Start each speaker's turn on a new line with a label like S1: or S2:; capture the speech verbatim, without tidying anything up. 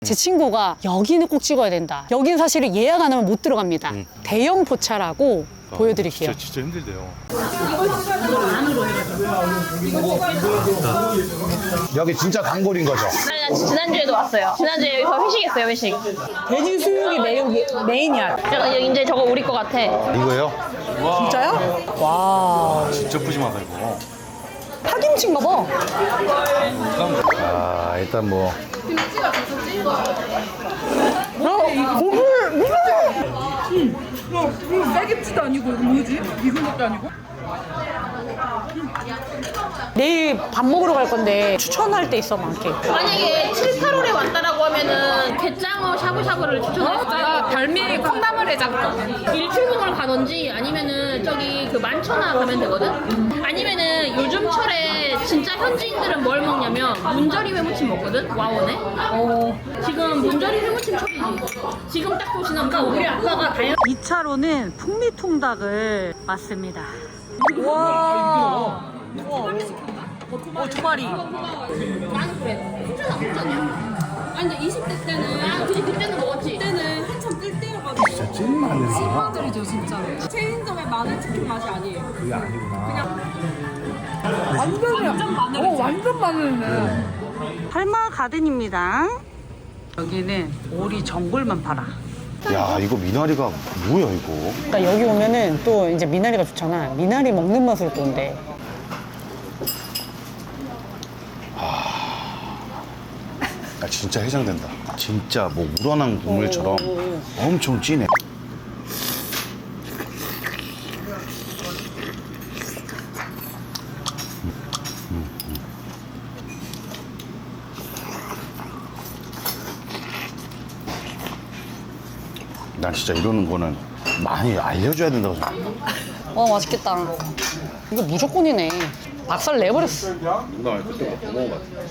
S1: 제 친구가 여기는 꼭 찍어야 된다. 여긴 사실은 예약 안 하면 못 들어갑니다.
S2: 음.
S1: 대형 포차라고 보여드릴게요.
S2: 진짜, 진짜 힘들대요.
S3: 여기 진짜 단골인 거죠?
S4: 아니, 나 지난주에도 왔어요. 지난주에 여기서 회식했어요, 회식.
S1: 돼지 수육이 메인, 메인이야.
S4: 야, 이제 저거 우리 거 같아.
S3: 이거요?
S1: 진짜요? 와,
S2: 진짜 푸짐하다, 이거.
S1: 파김치인가 봐.
S3: 아, 일단 뭐.
S1: 어, 고물, 무슨
S5: 이거 쌀김치도 아니고 이거 뭐지? 익은 것도 아니고?
S1: 내일 밥 먹으러 갈 건데 추천할 때 있어, 많게.
S4: 만약에 칠, 팔월에 왔다라고 하면은 게장어 샤브샤브를 추천했어요.
S5: 아, 달미 콩나물 해장국.
S4: 일출봉을 가든지 아니면은 저기 그 만천하 가면 되거든? 아니면은 요즘 철에 진짜 현지인들은 뭘 먹냐면 문저리 회무침 먹거든? 와원에? 어. 지금 문저리 회무침 철이지. 지금 딱 보시면 그러니까 우리 아빠가 다양
S1: 이 차로는 풍미통닭을 맞습니다. 와. 어, 두 마리.
S4: 나는 그래. 진짜 나쁘잖아. 아니 근데 이십 대 때는 아 그치 그때는 먹었지.
S5: 그때는 한참 뜰 때여가지고 진짜 찐 마늘 찐마늘이죠 진짜. 체인점의 마늘 치킨 맛이 아니에요. 그게 아니구나. 그냥 완전 완전 마늘. 어 완전 마늘이네.
S1: 할마 가든입니다. 여기는 오리 전골만 팔아.
S3: 야, 이거 미나리가 뭐야, 이거?
S1: 그러니까 여기 오면은 또 이제 미나리가 좋잖아. 미나리 먹는 맛으로 또 온대.
S3: 야, 진짜 해장된다. 진짜 뭐 우러난 국물처럼 엄청 진해. 난 진짜 이러는 거는 많이 알려줘야 된다고 생각해.
S1: 와, 맛있겠다. 이거 무조건이네. 박살 내버렸어.
S2: 누나 그때 뭐 먹어봤어?